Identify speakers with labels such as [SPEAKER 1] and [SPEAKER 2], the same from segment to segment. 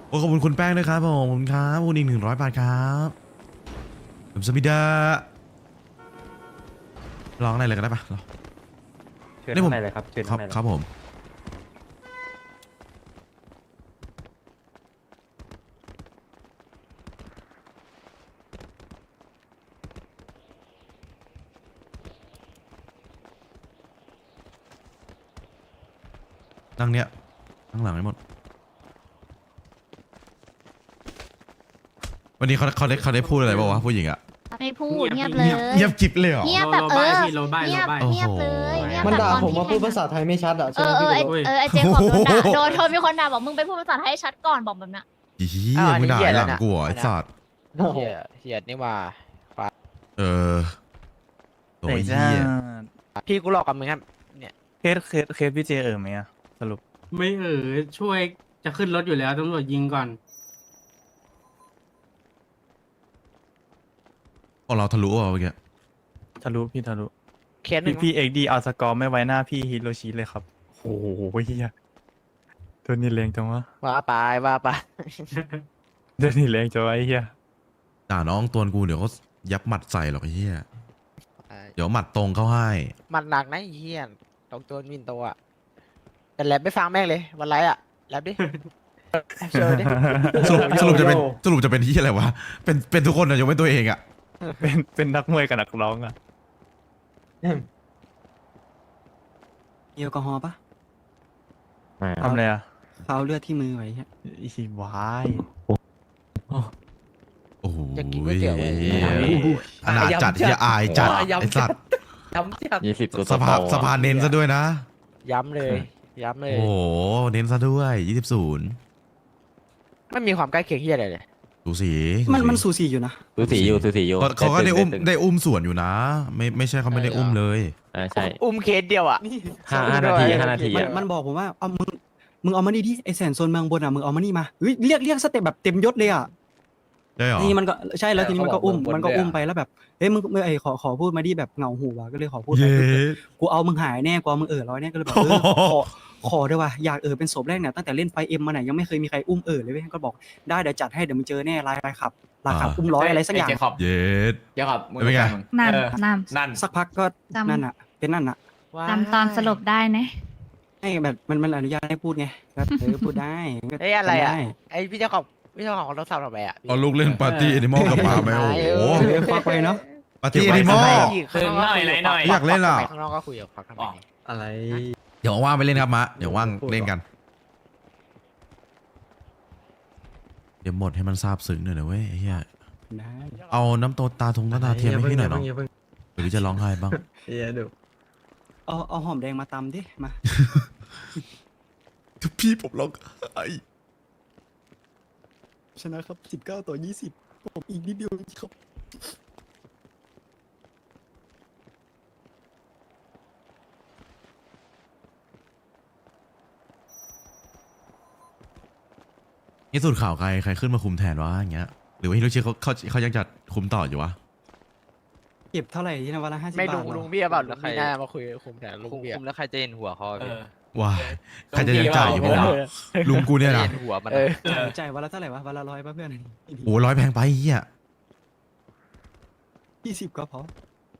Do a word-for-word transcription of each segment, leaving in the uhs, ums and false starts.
[SPEAKER 1] โอ้ขอบคุณคุณแป้งด้วยครับผมขอบคุณครับขอบคุณอีกหนึ่งร้อยบาทครับผมสมิดาร้องอะไรเลยก็ได้ปะร้อง
[SPEAKER 2] เชิญ
[SPEAKER 1] นี่ผม
[SPEAKER 2] ข้างในเลยครับเชิญ
[SPEAKER 1] ครั
[SPEAKER 2] ข้า
[SPEAKER 1] บ
[SPEAKER 2] งในเลย
[SPEAKER 1] ครับผมนั่งเนี้ยนั่งหลังให้หมดวันนี้เขาเขาได้เขาได้พูดอะไรบ้างวะผู้หญิงอะ
[SPEAKER 3] ไม่พูดเงียบเลย
[SPEAKER 1] เงียบกิ๊บเลยเหรอ
[SPEAKER 3] เงียบแบบเออ
[SPEAKER 4] โลบาย
[SPEAKER 3] เงียบ
[SPEAKER 4] โลบาย
[SPEAKER 3] เงียบเลยเงียบ
[SPEAKER 5] มัน
[SPEAKER 3] แบบ
[SPEAKER 5] ด่า
[SPEAKER 3] ตอน
[SPEAKER 5] ผมว่าพูด
[SPEAKER 3] ที่
[SPEAKER 5] ภาษาไทยไม่ชัดอ่ะ
[SPEAKER 3] เอ
[SPEAKER 5] ใช่ไหม
[SPEAKER 3] อเอ
[SPEAKER 5] พี่
[SPEAKER 3] อไอ
[SPEAKER 5] โด
[SPEAKER 3] เออไอเจมส์บอกโดนด่าโดนโทนมีคนด่าบอกมึงไปพูดภาษาไทยให้ชัดก่อนบอกแบบนั้น
[SPEAKER 1] อีเหี้ยมึงด่าหลังกูเหรอไอ้สัตว์
[SPEAKER 5] โอ้โห
[SPEAKER 6] เฮียเฮียนี่ว่า
[SPEAKER 1] เออโอ้ยเหี้ย
[SPEAKER 6] พี่กูหลอกกับมึงครับ
[SPEAKER 2] เคสเคสเคสพี่เจเออไหมอะสรุป
[SPEAKER 4] ไม่เออช่วยจะขึ้นรถอยู่แล้วตำรวจยิงก่อน
[SPEAKER 1] ของเราทะลุอ่ะเมื่อกี้
[SPEAKER 2] ทะลุพี่ทะลุ
[SPEAKER 6] เคสหนึ่
[SPEAKER 2] พี่
[SPEAKER 6] ง
[SPEAKER 2] พี่เอ็กดีเอาสกอร์ไม่ไว้หน้าพี่ฮิโรชิเลยครับโอ้โหเฮียตัวนี้แรงจังวะ
[SPEAKER 6] ว่าไปว่าไป
[SPEAKER 2] ตัวนี้แรงจังวะไอ้เฮีย
[SPEAKER 1] ด่าน้องตัวกูเดี๋ยวเขายับหมัดใส่หรอกไอ้เหี้ยเดี๋ยวหมัดตรงเข้าให้
[SPEAKER 6] มันหนักนะไอ้เฮียตรงตัวมินโตอ่ะแต่แรปไม่ฟังแม่งเลยวันไรอ่ะแรปดิเชิญดิ
[SPEAKER 1] สรุปสรุปจะเป็นสรุปจะเป็นที่อะไรวะเป็นเป็นทุกคนนะยกเว้นตัวเองอะ
[SPEAKER 2] เป็นเป็นนักมวยกับนักร้องอะ
[SPEAKER 7] มีแอลกอฮอล์ปะ
[SPEAKER 2] ทำอะไรอะ
[SPEAKER 7] เขาเอาเลือดที่มือไว้ฮะ
[SPEAKER 2] อีวาย
[SPEAKER 1] โอ้โห
[SPEAKER 6] อยากกินก๋วยเตี๋ยวเว้ย
[SPEAKER 1] อนาจจัดเฮียอายจัดไอ้สัตว์
[SPEAKER 6] ย้ำจัด
[SPEAKER 8] ยี่สิบตัว
[SPEAKER 1] สภาสภาเน้นซะด้วยนะ
[SPEAKER 6] ย้ำเลยย้ำเลย
[SPEAKER 1] โอ้โหเน้นซะด้วยยี่สิบศูนย์
[SPEAKER 6] ไม่มีความใกล้เคียงเฮียอะไรเลย
[SPEAKER 1] ดูสี
[SPEAKER 7] มันมันสูสีอยู่นะ
[SPEAKER 8] สูสีอยู่สูสีอยู่
[SPEAKER 1] เขาเขาก็ได้อุ้ม
[SPEAKER 8] ตึง
[SPEAKER 1] ได้อุ้มส่วนอยู่นะ ไม่ไม่ใช่เขาไม่ได้อุ้มเลย
[SPEAKER 8] อ่าใช่
[SPEAKER 6] อุ้มเคสเดียวอ่ะ
[SPEAKER 8] ห้าห้านาทีห้านาที
[SPEAKER 7] มัน
[SPEAKER 8] อะ
[SPEAKER 7] มันบอกผมว่าเอามึงมึงเอามานี่ดิไอแสนโซนเมืองบนอ่ะมึงเอามานี่มาเฮ้ยเรียกเรียกสเต็ปแบบเต็มยศเลยอ่ะ
[SPEAKER 1] ได้เหรอ
[SPEAKER 7] ทีนี้มันก็ใช่แล้วทีนี้มันก็อุ้ม
[SPEAKER 5] เขาบอก
[SPEAKER 7] มันก็
[SPEAKER 5] บนด้วยอะ
[SPEAKER 7] อุ้มไปแล้วแบบเอ้ยมึงมึงไอขอขอพูดมาดิแบบเหงาหูว่ะก็เลยขอพูดไป
[SPEAKER 1] เย้
[SPEAKER 7] กูเอามึงหายแน่กูเอามึงเออร้อยแน่ก็เลยแบบเออขอขอด้วยว่ะอยากเออเป็นศพแรกเนี่ยตั้งแต่เล่นไฟเอ็มมาไหนยังไม่เคยมีใครอุ้มเออเลยเว้ยก็บอกได้เดี๋ยวจัดให้เดี๋ยวมึงเจอแน่ลายลายขับลายขับอุ้มร้อยอะไรสักอย่าง
[SPEAKER 5] เจคอบ
[SPEAKER 1] เย็ด
[SPEAKER 5] เจคอบมึง
[SPEAKER 1] เป็นไง
[SPEAKER 3] นั่น
[SPEAKER 5] เออ
[SPEAKER 3] นั่น
[SPEAKER 5] นั่น
[SPEAKER 7] สักพักก็
[SPEAKER 3] จำ
[SPEAKER 7] นั่นอ่ะเป็นนั่นอ่ะ
[SPEAKER 3] จำตอนสรุปได้นะ
[SPEAKER 7] ให้แบบมันมันอนุญาตให้พูดไงก็เออพูดได้ก็
[SPEAKER 6] เฮ้ยอะไรอ่ะ
[SPEAKER 7] ทำด้
[SPEAKER 6] ไอพี่เจ้าของพี่เจ้าของรถสาวทำไมอ่ะ
[SPEAKER 1] เอาลูกเล่นปาร์ตี้แอนิมอลกับหมาไหมโอ้โห
[SPEAKER 7] เออควักไปเนาะ
[SPEAKER 1] ปาร์ตี้แอนิมอล
[SPEAKER 5] คืนหน่อยไหนหน่อย
[SPEAKER 1] อยากเล่นอ่ะ
[SPEAKER 6] ข้างนอกก็คุยกับฟักทำไม
[SPEAKER 5] อะไร
[SPEAKER 1] เดี๋ยวว่างไปเล่นครับมะเดี๋ยวว่างเล่นกัน เดี๋ยวหมดให้มันซาบซึ้งหน่อยนะเว้ยไอ้เฮีย
[SPEAKER 7] ได้
[SPEAKER 1] เอาน้ำโตตาทงตาเทียมให้พี่หน่อยเนาะหรือจะร้องไห้บ้าง
[SPEAKER 5] เฮียดู
[SPEAKER 7] เอาเอาหอมแดงมาตำดิมา
[SPEAKER 1] พี่ผมร้องไห้
[SPEAKER 7] ชนะครับสิบเก้าต่อยี่สิบผมอีกนิดเดียวครับ
[SPEAKER 1] นี่สุดข่าวใครใครขึ้นมาคุมแทนวะอย่างเงี้ยหรือว่าฮิโรชิเขาเขาเขายังจะคุมต่ออยู่วะ
[SPEAKER 7] เก็บเท่าไหร่ที่นะวันละห้าสิบ
[SPEAKER 6] ไม่
[SPEAKER 7] บาท
[SPEAKER 6] ลุง
[SPEAKER 7] เหรอ
[SPEAKER 6] ลุงเบี้ยเปล่าลุงมีหน้ามาคุยคุมแทนลุง
[SPEAKER 8] คุม
[SPEAKER 6] เบี้ย
[SPEAKER 8] คุมแล้วใครจะเห็นหัวเขาอะ
[SPEAKER 5] เอ
[SPEAKER 8] พี่
[SPEAKER 5] อ
[SPEAKER 1] ว้ายใครจะยังจ่ายอยู่
[SPEAKER 5] เอ
[SPEAKER 1] ปะ
[SPEAKER 5] อ
[SPEAKER 1] วะลุงกูเนี่ยนะ
[SPEAKER 8] เห็นหัวมัน
[SPEAKER 6] เอ
[SPEAKER 8] อะ
[SPEAKER 6] อ
[SPEAKER 7] จ่ายวันละเท่าไหร่วะวันละร้อยป่ะเพื่อน
[SPEAKER 1] โอ้ร้อยแพงไปเฮีย
[SPEAKER 7] ยี่สิบก็พอ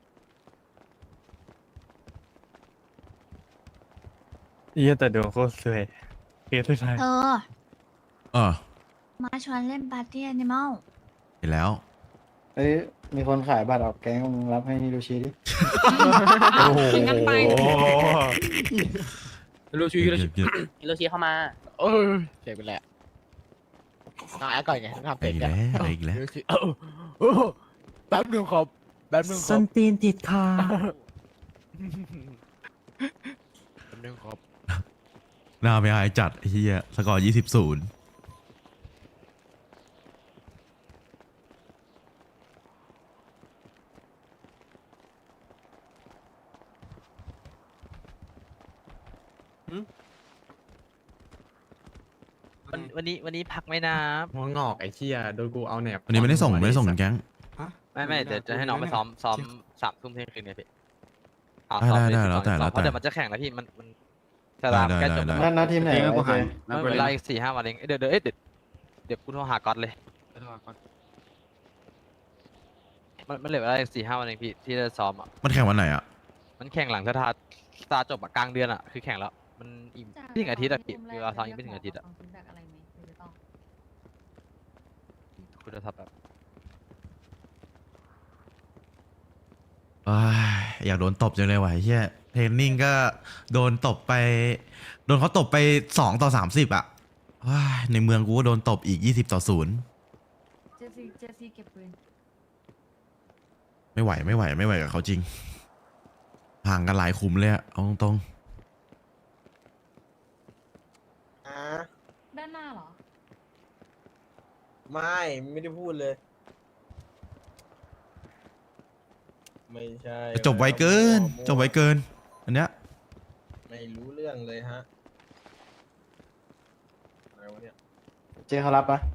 [SPEAKER 2] เฮียแต่ดวงโคตรสวยเคสสุดท้าย
[SPEAKER 3] เธอ
[SPEAKER 1] เออ
[SPEAKER 3] มาชวนเล่นปาร์ตี้แอนิมอล
[SPEAKER 1] เห็นแล้ว
[SPEAKER 5] เฮ้ยมีคนขายบัตรออกแก๊งมึงรับให้ฮิโรชิดิ
[SPEAKER 2] โอ้โห
[SPEAKER 5] ฮิโรชิฮิโรชิ
[SPEAKER 1] เยอะ
[SPEAKER 8] ฮิโรชิเข้ามา
[SPEAKER 6] เออเสียไปแล้วน้องแอคก่อนไงทำ
[SPEAKER 1] ๆ
[SPEAKER 6] เป็
[SPEAKER 1] อี
[SPEAKER 6] น
[SPEAKER 1] ก
[SPEAKER 6] กัน
[SPEAKER 1] แล้วอีกแล้ว
[SPEAKER 6] เออเออแป๊บนึงครับแป๊บนึงค
[SPEAKER 2] ส้
[SPEAKER 6] รับ
[SPEAKER 2] นตีนติดคา
[SPEAKER 6] แป๊บนึงครับ
[SPEAKER 1] หน้าไม่หายจัดไอ้เฮียสกอร์ยี่สิบศูนย์
[SPEAKER 8] วันวันนี้วันนี้พักไหมนะ
[SPEAKER 5] หัวงอกไอ้เชี่ยโดนกูเอาแหนบ
[SPEAKER 1] วันนี้ไม่ได้ส่งไม่ได้ส่งแก๊ง
[SPEAKER 7] ฮะ
[SPEAKER 8] ไม่ไม่เดี๋ยวจะให้น้องไปซ้อมซ้อมสามทุ่มเที่ยงคืนเนี่ยพี่เอา
[SPEAKER 1] ได้
[SPEAKER 8] ซ้อม
[SPEAKER 1] ได้
[SPEAKER 8] เลย
[SPEAKER 1] ได้แล้วแต่
[SPEAKER 8] ซ้อม
[SPEAKER 1] แล้ว
[SPEAKER 8] เพราะ
[SPEAKER 1] แต่
[SPEAKER 8] เดี๋ยวมันจะแข่งแล้วพี่มันมันสลาม
[SPEAKER 1] ได้
[SPEAKER 8] ใกล้
[SPEAKER 1] ได้
[SPEAKER 8] จบ
[SPEAKER 1] ได้
[SPEAKER 8] แล้ว
[SPEAKER 5] นั่นนะทีมไหน
[SPEAKER 4] เองก็กูหาย
[SPEAKER 8] มันเวลาอีกสี่ห้าวันเองเอ้ยเดี๋ยวเดี๋ยวเอ้ยเดี๋ยวเดี๋ยวกูโทรหาก๊อตเลยมันมันเหลือเวลาอีกสี่ห้าวันเองพี่ที่จะซ้อมอ่ะ
[SPEAKER 1] มันแข่งวันไหนอ่ะ
[SPEAKER 8] มันแข่งหลังสตาร์สตาร์จบอะกลางเดือนอ่ะคือแข่งแล้วมันอีกไม่ถึงอาทิตย์อะพี่เวลาซ้อมอีกไม่ถึงอาทิตย์อะคุณจะทับแบบ
[SPEAKER 1] อ้ายอยากโดนตบจังเลยว่ะไอ้เฮียเทรนนิ่งก็โดนตบไป โดนเขาตบไปสองต่อสามสิบอ่ะว้ายในเมืองกูก็โดนตบอีกยี่สิบต่อศูนย์
[SPEAKER 3] เจสซี่เจสซี่เก็บปืน
[SPEAKER 1] ไม่ไหวไม่ไหวไม่ไหวกับเขาจริง ห่างกันหลายขุมเลยอะเอาตรง
[SPEAKER 9] อ่า
[SPEAKER 3] ด้านหน้าเหรอ
[SPEAKER 9] ไม่ไม่ได้พูดเลย ไม่ใช่
[SPEAKER 1] ๆจบไวเกิน จบไวเกิน อันเนี้ย
[SPEAKER 9] ไม่รู้เรื่องเลยฮะอะไรวะเนี่ย
[SPEAKER 5] เจเขารับปะ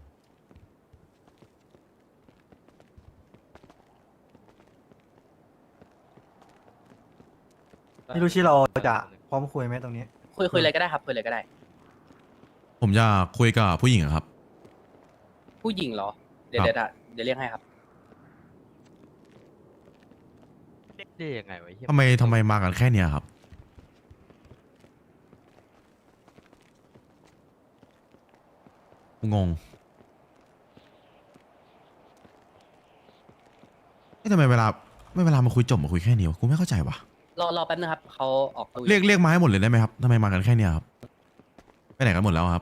[SPEAKER 2] ฮิโรชิเราจะพร้อมคุยไหมตรงนี้
[SPEAKER 6] คุยคุยเลยก็ได้ครับคุยเลยก็ได้
[SPEAKER 1] ผมจะคุยกับผู้หญิงอะครับ
[SPEAKER 6] ผู้หญิงเหรอ เดี๋ยว
[SPEAKER 1] ครับ
[SPEAKER 6] เดี๋ยวเดี๋ยวเรียกให้ครับ
[SPEAKER 8] ได้ยังไงวะเหี้ย
[SPEAKER 1] ทำไมทำไมมากันแค่เนี้ยครับงงเอ๊ะทำไมเวลาไม่เวลามาคุยจบมาคุยแค่นี้วะกูไม่เข้าใจวะ
[SPEAKER 6] รอรอแป๊บนึงครับเขาออกตู้
[SPEAKER 1] เรียกเรียกมาให้หมดเลยได้ไหมครับทำไมมากันแค่เนี้ยครับไปไหนกันหมดแล้วครับ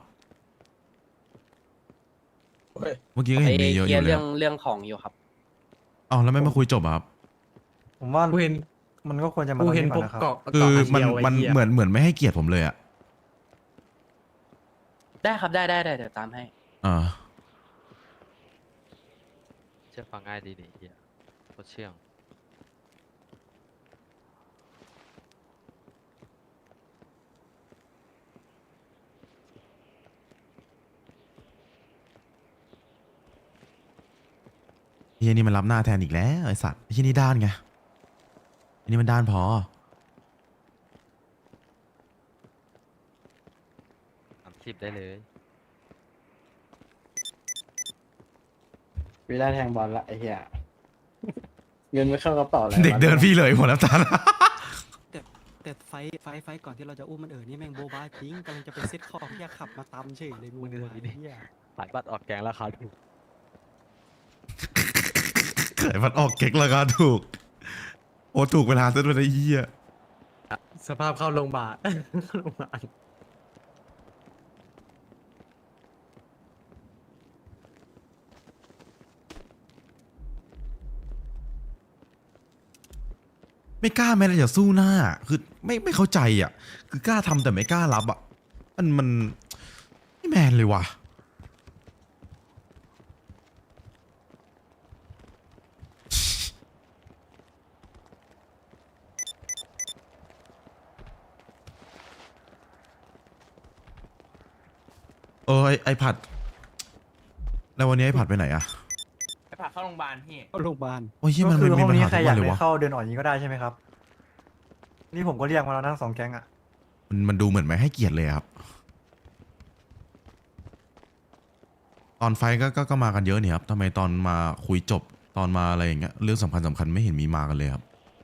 [SPEAKER 9] เฮ้ย
[SPEAKER 1] เมื่อกี้ก็เห็นมีเยอะอ
[SPEAKER 6] เคลีย
[SPEAKER 1] ยู่
[SPEAKER 6] ร์
[SPEAKER 1] เล
[SPEAKER 6] เรื่
[SPEAKER 1] ย
[SPEAKER 6] องเรื่องของอยู่ครับ
[SPEAKER 1] อ๋อแล้วไม่มาคุยจบอะครับ
[SPEAKER 2] ผมว่า
[SPEAKER 10] กูเห็น
[SPEAKER 2] มันก็ควรจะมา
[SPEAKER 10] กู
[SPEAKER 2] ตรง
[SPEAKER 10] เห็น
[SPEAKER 2] นี้
[SPEAKER 10] พ
[SPEAKER 2] ก่
[SPEAKER 10] ว
[SPEAKER 2] อก นนะครับ
[SPEAKER 10] เกาะ
[SPEAKER 1] คือมัน
[SPEAKER 10] เกาะ
[SPEAKER 1] มัน
[SPEAKER 10] เดียวไหี้ย
[SPEAKER 1] เหมือนเหมือนไม่ให้เกียรติผมเลยอะ
[SPEAKER 6] ได้ครับได้ได้ได้เดี๋ยวตามให้
[SPEAKER 1] อ่า
[SPEAKER 8] เชื่อฟังง่ายดีนี่เฮียโคตรเชื่อง
[SPEAKER 1] ไอ้เหี้ยนี่มันรับหน้าแทนอีกแล้วไอสัตว์ไอ้ที่นี่ด้านไงไอ้นี่มันด้านพอ
[SPEAKER 8] สามสิบได้เลย
[SPEAKER 5] วีได้แทงบอลละไอ้เหี้ย เงินไม่เข้ากระเป๋าเลย
[SPEAKER 1] เด็กเดินพี่เลยหัวน้ำตาล
[SPEAKER 7] แต่แต่ไฟท์ไฟท์ไฟท์ก่อนที่เราจะอุ้มมันเออนี่แม่งโบบาจริงกำลังจะไปเซ็ตของแค่ขับมาตำเฉยเลยมึงวะไอ้เหี้ย
[SPEAKER 8] ขายบัตรออกแกงราคาถูก
[SPEAKER 1] ขายมันออกเก๊กราคาถูก โอ้ถูกเวลาซะด้วยนะไอ้เหี้ย
[SPEAKER 10] สภาพเข้าโรงพยาบาล โรงพยาบาล
[SPEAKER 1] ไม่กล้าแม้แต่จะสู้หน้า คือไม่ไม่เข้าใจอ่ะ คือกล้าทำแต่ไม่กล้ารับอ่ะ มันมันไม่แมนเลยว่ะ เออไอไอผัด แล้ววันนี้ไอผัดไปไหนอ่ะ
[SPEAKER 10] ไปพาเข้าโรงพยาบาลพี่
[SPEAKER 7] เข้าโรงพยาบาล
[SPEAKER 1] โอ้ยเหี้ยมัน
[SPEAKER 2] ก็
[SPEAKER 1] มัน
[SPEAKER 2] คือ
[SPEAKER 1] มี
[SPEAKER 2] ห้อง
[SPEAKER 1] ปัญ
[SPEAKER 2] นี้
[SPEAKER 1] หา
[SPEAKER 2] ใคร
[SPEAKER 1] ทุก
[SPEAKER 2] อ
[SPEAKER 1] วั
[SPEAKER 2] ยาน ก
[SPEAKER 1] เลย
[SPEAKER 2] ได้
[SPEAKER 1] วะ
[SPEAKER 2] เข้าเดินออกอย่างนี้ก็ได้ใช่ไหมครับ นี่ผมก็เรียกมาแล้วทั้งสองแก๊งอ่ะ
[SPEAKER 1] มันมันดูเหมือนไม่ให้เกียรติเลยอะครับ ตอนไฟท์ก็ก็ก็มากันเยอะเนี่ยครับทำไมตอนมาคุยจบตอนมาอะไรอย่างเงี้ยเรื่องสำคัญสำคัญไม่เห็นมีมากันเลยครับ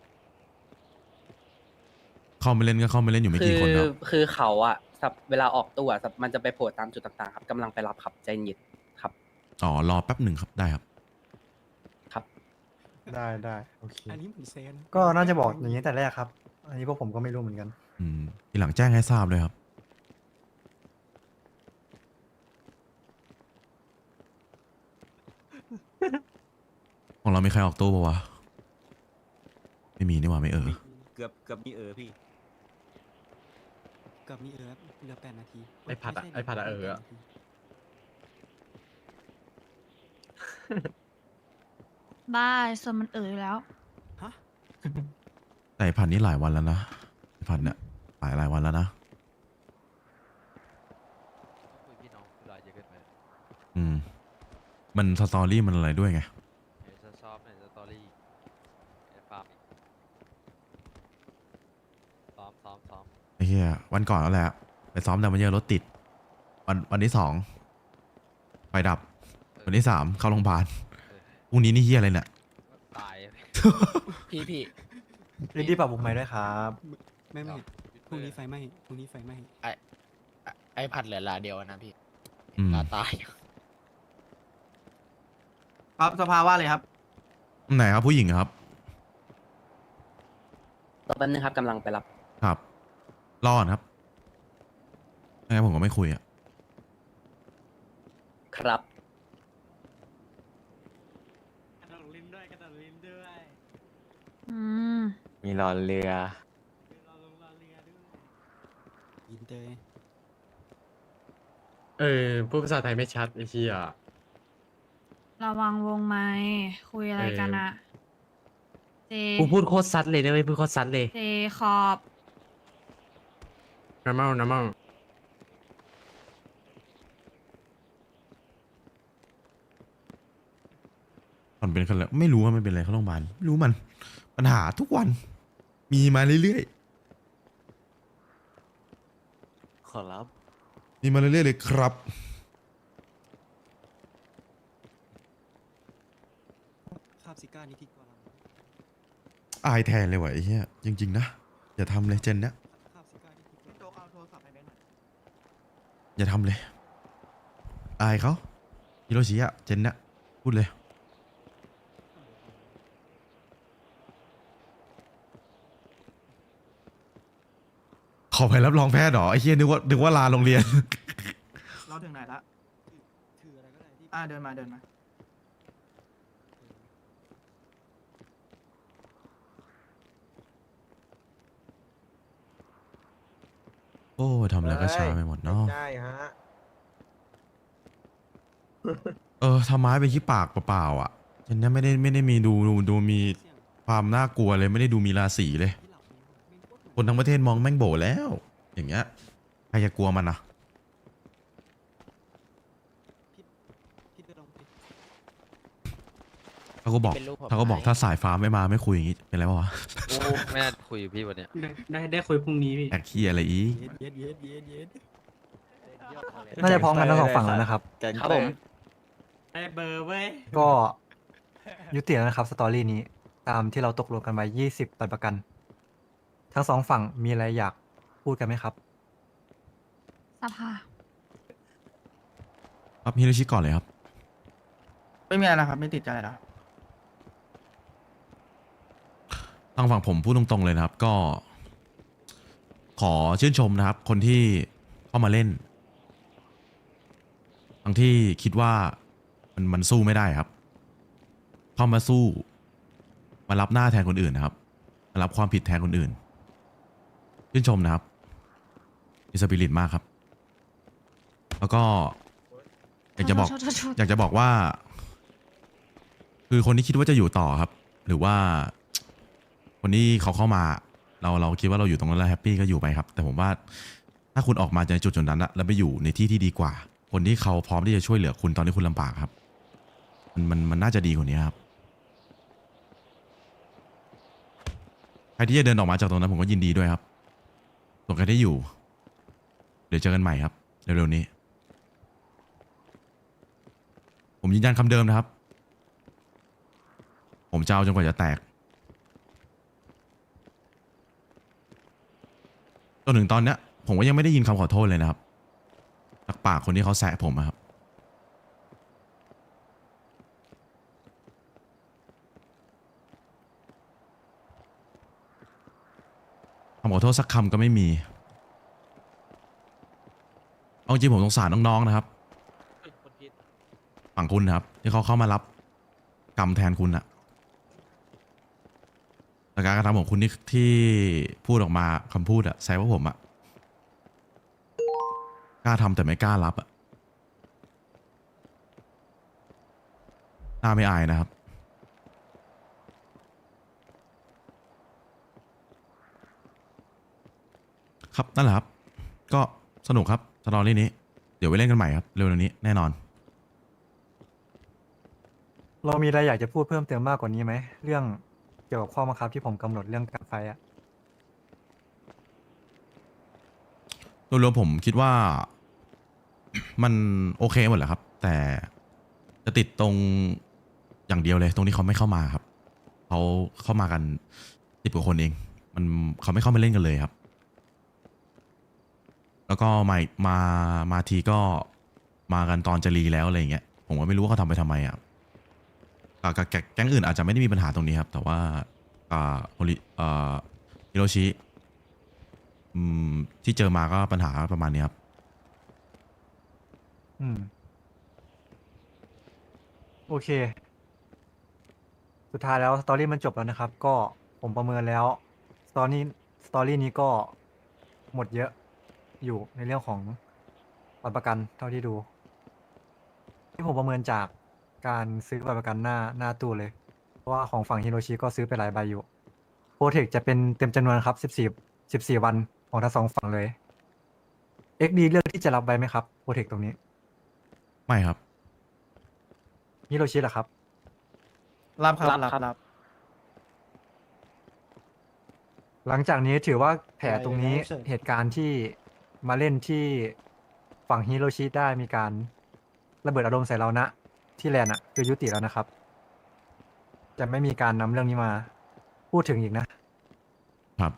[SPEAKER 1] เข้าไม่เล่นก็เข้าไม่เล่นอยู่ไม่
[SPEAKER 6] คื
[SPEAKER 1] กี่
[SPEAKER 6] อ
[SPEAKER 1] คนครับ
[SPEAKER 6] คือเขาอะสับเวลาออกตู้อะสับมันจะไปโผล่ตามจุดต่างๆครับกำลังไปรับครับใจเย็นครับ
[SPEAKER 1] อ๋อรอแป๊บหนึ่งครับได้ครับ
[SPEAKER 6] ครับ
[SPEAKER 2] ได้ได้โอเค
[SPEAKER 7] อันนี้เหมือนเซน
[SPEAKER 2] ก็น่าจะบอกอย่างนี้แต่แรกครับ อันนี้พวกผมก็ไม่รู้เหมือนกัน
[SPEAKER 1] อืมทีหลังแจ้งให้ทราบเลยครับ ของเรามีใครออกตู้ปะวะ ไม่มีนี่หว่าไม่เออ
[SPEAKER 10] เกือบเกือบมีเออพี่
[SPEAKER 7] กับมีเออเหลือแปดนาที
[SPEAKER 10] ไอ้ผัดอะ
[SPEAKER 7] ม่ใช่
[SPEAKER 10] ไอ้ผัดอะเอออะ
[SPEAKER 7] แปดนาที
[SPEAKER 3] บ้าสมมันเอ๋ยแล้ว
[SPEAKER 7] ฮะ
[SPEAKER 1] แต่ไอ้ผัดนี่หลายวันแล้วนะไอ้ผัดเนี่ยหลายหลายวันแล้วนะ
[SPEAKER 8] คุยพี่น้องคุยรายเยอะเกินไป
[SPEAKER 1] อืม มันสตอรี่มันอะไรด้วยไง
[SPEAKER 8] เดี๋ยวจะชอบในสตอรี่ไอ้ฟาร์มอีกซ้อมซ้อมซ้อม
[SPEAKER 1] ไอ้เหี้ยวันก่อนแล้วแหละไปซ้อมแต่มันเยอะรถติด วันวันที่สองไฟดับวันที่สามเข้าโรงพยาบาลพรุ่งนี้นี่เฮียอะไรเนี่ย
[SPEAKER 8] ตาย
[SPEAKER 6] พี่พี่
[SPEAKER 2] รีดีปรับบุกใหม่ด้วยครับ
[SPEAKER 7] ไม่ไม่พรุ่งนี้ไฟไหม้พรุ่งนี้ไฟไหม้
[SPEAKER 6] ไอไอผัดเหลือลาเดียวนะพี่
[SPEAKER 1] อืม
[SPEAKER 6] ลาตาย
[SPEAKER 5] ครับสภาว่าเลยครับ
[SPEAKER 1] ไหนครับผู้หญิงครับ
[SPEAKER 5] ต่อแป๊บนึงครับกำลังไปรับ
[SPEAKER 1] ครับรอดครับไม่งั้นผมก็ไม่คุยอ่ะ
[SPEAKER 5] ครับ
[SPEAKER 10] กระโดดลิ้นด้วยกระโดดลิ้นด้วย
[SPEAKER 3] อืม
[SPEAKER 2] มีรอเรือ
[SPEAKER 10] รอลงรอเรือด้วย
[SPEAKER 7] อินเตอร์
[SPEAKER 10] เออพูดภาษาไทยไม่ชัดไอ้เชี่ย
[SPEAKER 3] ระวังวงไม้คุยอะไรกันอะเจ
[SPEAKER 10] กูพูดโคตรซัดเลยนะเว้ยพูดโคตรซัดเลย
[SPEAKER 3] เจขอบ
[SPEAKER 10] น้ำเมาน้ำเมา
[SPEAKER 1] มันเป็นคนละไม่รู้ว่ามันเป็นอะไรเข้าโรงพยาบาลไม่รู้มันปัญหาทุกวัน มีมาเรื่อย
[SPEAKER 2] ขอรับ
[SPEAKER 1] ๆมีมาเรื่อยๆเลยครับ
[SPEAKER 7] คาบซิก้านี่ที่กว่าเรา
[SPEAKER 1] อายแทนเลยว่ะไอ้เหี้ยจริงๆนะอย่าทำเลยเจนเนี้ย
[SPEAKER 7] คาบซิก้านี่ที่กว่า
[SPEAKER 5] โจเอาโทรศัพท์ให้แบงค์หน่อย
[SPEAKER 1] อย่าทำเลย อายเขาฮิโรชิอะเจนเนี้ยพูดเลย ขอไปรับรองแพทย์เหรอไอ้เหี้ยนึกว่านึกว่าลาโรงเรียน
[SPEAKER 5] เราถึงไหนละ
[SPEAKER 7] ถืออะไรก็ได้ที่
[SPEAKER 5] อ่าเดินมาเดินมา
[SPEAKER 1] โอ้ทำอะไรก็ช้าไปหมดเนาะ
[SPEAKER 9] ใช่ฮะ
[SPEAKER 1] เออทำไม้เป็นขี้ปากเปล่าๆอ่ะเจนเนี้ยไม่ได้ไม่ได้มีดูดูดูมีความน่ากลัวเลยไม่ได้ดูมีราศีเลย
[SPEAKER 7] ที่หลับไม่รู้
[SPEAKER 1] คนทั้งประเทศมองแม่งโบแล้ว อย่างเงี้ยใครจะกลัวมันอ่ะ
[SPEAKER 7] พี่เดินลงไป
[SPEAKER 1] เขาก็บอก
[SPEAKER 6] เป็นรูปผม
[SPEAKER 1] เขาก็บอก
[SPEAKER 6] ไหม
[SPEAKER 1] ถ้าสายฟ้าไม่มาไม่คุยอย่างงี้เป็นไรวะ
[SPEAKER 8] โอ้ไม่น่าคุยกับพี่วันเนี้ย
[SPEAKER 4] ได้ได้ได้คุยพรุ่งนี้พี่
[SPEAKER 1] แอกขี้อะไรอีก
[SPEAKER 7] เย็ดเย็ดเย็ดเย็ดเย็ด
[SPEAKER 2] น่าจะพร้อมกันทั้งสองฝั่งแล้วนะครับ
[SPEAKER 5] ครับผม
[SPEAKER 10] ได้เบอร์เว้ย
[SPEAKER 2] ก็ยุติแล้วนะครับสตอรี่นี้ ตามที่เราตกลงกันไว้ยี่สิบตัดประกัน ทั้งสองฝั่งมีอะไรอยากพูดกันไหมครับ
[SPEAKER 3] สภา
[SPEAKER 1] ครับฮิโรชิก่อนเลยครับ
[SPEAKER 5] ไม่มีอะไรนะครับ ไม่ติดใจแล้ว
[SPEAKER 1] ทางฝั่งผมพูดตรงๆเลยนะครับ ก็ ขอชื่นชมนะครับ คนที่เข้ามาเล่นทั้งที่คิดว่ามันมันสู้ไม่ได้ครับ เข้ามาสู้ มารับหน้าแทนคนอื่นนะครับ มารับความผิดแทนคนอื่น ชื่นชมนะครับมีสปิริตมากครับ แล้วก็อยากจะบอก
[SPEAKER 3] โทษโทษโทษ
[SPEAKER 1] อยากจะบอกว่า คือคนที่คิดว่าจะอยู่ต่อครับ หรือว่า คนที่เขาเข้ามา เราเราคิดว่าเราอยู่ตรงนั้นแล้วแฮปปี้ก็อยู่ไปครับ แต่ผมว่า ถ้าคุณออกมาจากจุดจุดนั้นอะแล้วไปอยู่ในที่ที่ดีกว่า คนที่เขาพร้อมที่จะช่วยเหลือคุณตอนที่คุณลำบากครับ มันมันมันน่าจะดีกว่านี้ครับ ใครที่จะเดินออกมาจากตรงนั้นผมก็ยินดีด้วยครับส่วนใครที่อยู่ เดี๋ยวเจอกันใหม่ครับเร็วๆนี้ ผมยืนยันคำเดิมนะครับ ผมจะเอาจนกว่าจะแตก จนถึงตอนเนี้ย ผมก็ยังไม่ได้ยินคำขอโทษเลยนะครับจากปากคนที่เขาแซะผมอะครับ คำขอโทษสักคำก็ไม่มี เอาจริงผมสงสารน้องๆนะครับ
[SPEAKER 8] เฮ้ยคนผิด
[SPEAKER 1] ฝั่งคุณนะครับ ที่เขาเข้ามารับกรรมแทนคุณอะแต่การกระทำของคุณที่ที่พูดออกมาคำพูดอะแซวว่าผมอะกล้าทำแต่ไม่กล้ารับอะน่าไม่อายนะครับ ครับนั่นแหละครับ ก็สนุกครับสตอรี่นี้ เดี๋ยวไปเล่นกันใหม่ครับ เร็วๆนี้แน่นอน
[SPEAKER 2] เรามีอะไรอยากจะพูดเพิ่มเติมมากกว่านี้ไหม เรื่องเกี่ยวกับข้อบังคับที่ผมกำหนดเรื่องการไฟอะ
[SPEAKER 1] โดยรวมผมคิดว่า มันโอเคหมดแหละครับแต่จะติดตรงอย่างเดียวเลย ตรงที่เขาไม่เข้ามาครับเขาเข้ามากันสิบกว่าคนเอง มันเขาไม่เข้ามาเล่นกันเลยครับ แล้วก็มามามาทีก็มากันตอนจะรีแล้วอะไรอย่างเงี้ยผมก็ไม่รู้ว่าเขาทำไปทำไมอ่ะกับกับแก๊งอื่นอาจจะไม่ได้มีปัญหาตรงนี้ครับ แต่ว่าอ่าโฮลิอ่าฮิโรชิอืมที่เจอมาก็ปัญหาประมาณนี้ครับ
[SPEAKER 2] อืม โอเค สุดท้ายแล้วสตอรี่มันจบแล้วนะครับ ก็ผมประเมินแล้วสตอรี่สตอรี่นี้ก็หมดเยอะอยู่ในเรื่องของบัตรประกันเท่าที่ดู ที่ผมประเมินจากการซื้อบัตรประกันหน้าหน้าตู้เลย เพราะว่าของฝั่งฮิโรชิก็ซื้อไปหลายใบอยู่โปรเทคจะเป็นเต็มจำนวนครับสิบสี่ สิบสี่วันของทั้งสองฝั่งเลย เอ็กซ์ ดี เลือกที่จะรับใบไหมครับโปรเทคตรงนี้
[SPEAKER 1] ไม่ครับ
[SPEAKER 2] ฮิโรชิล่ะครับ
[SPEAKER 5] รับครับรับรับ
[SPEAKER 2] หลังจากนี้ถือว่าแผล
[SPEAKER 5] ได้
[SPEAKER 2] ตรงนี้
[SPEAKER 5] ได้เชิญ
[SPEAKER 2] เหตุการณ์ที่มาเล่นที่ฝั่งฮิโรชิได้มีการระเบิดอารมณ์ใส่เรานะ ที่แลนด์อะคือยุติแล้วนะครับ จะไม่มีการนำเรื่องนี้มาพูดถึงอีกนะ
[SPEAKER 1] ครับ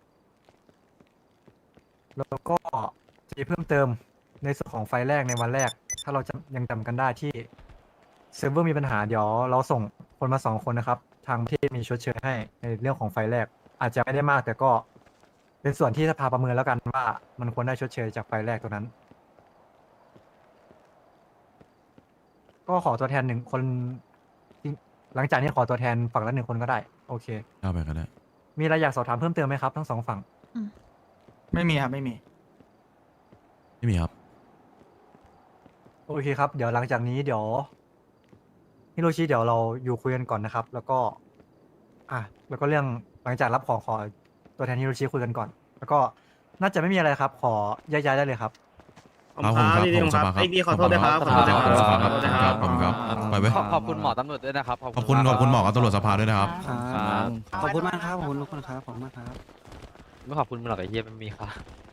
[SPEAKER 2] แล้วก็จะมีเพิ่มเติมในส่วนของไฟล์แรกในวันแรก ถ้าเราจะยังจำกันได้ที่เซิร์ฟเวอร์มีปัญหาเดี๋ยวเราส่งคนมาสองคนนะครับ ทางประเทศมีชดเชยให้ในเรื่องของไฟล์แรก อาจจะไม่ได้มากแต่ก็เป็นส่วนที่สภาประเมินแล้วกันว่ามันควรได้ชดเชยจากไฟล์แรกตัวนั้น ก็ขอตัวแทนหนึ่งคนที่หลังจากนี้ขอตัวแทนฝั่งละหนึ่งคนก็ได้ โอเค
[SPEAKER 1] เข้าไปก็ได้
[SPEAKER 2] มีอะไรอยากสอบถามเพิ่มเติมไหมครับทั้งสองฝั่ง
[SPEAKER 5] ไม่มีครับไม่มี
[SPEAKER 1] ไม่มีครับ
[SPEAKER 2] โอเคครับ เดี๋ยวหลังจากนี้เดี๋ยวฮิโรชิเดี๋ยวเราอยู่คุยกันก่อนนะครับ แล้วก็ อ่ะแล้วก็เรื่องหลังจากรับของขอตัวแทนฮิโรชิคุยกันก่อน แล้วก็น่าจะไม่มีอะไรครับ ขอย้ายๆได้เลยครับ
[SPEAKER 1] ครับผมครับผมสภาครับ
[SPEAKER 10] ไอ้พี่ขอโทษด้วยครับ
[SPEAKER 1] ขอบคุณครับสภาครับครับผมครับไปเว้ย
[SPEAKER 8] ขอบขอบคุณหมอตำรวจด้วยนะครับ
[SPEAKER 1] ขอบคุณขอบคุณหมอกับตำรวจสภาด้วยนะครับ
[SPEAKER 7] ครับขอบคุณมากครับขอบคุณทุกคนครับขอบคุณมากครับ
[SPEAKER 8] ไม่ขอบคุณมึงหรอกไอ้เหี้ยไม่มีค่ะ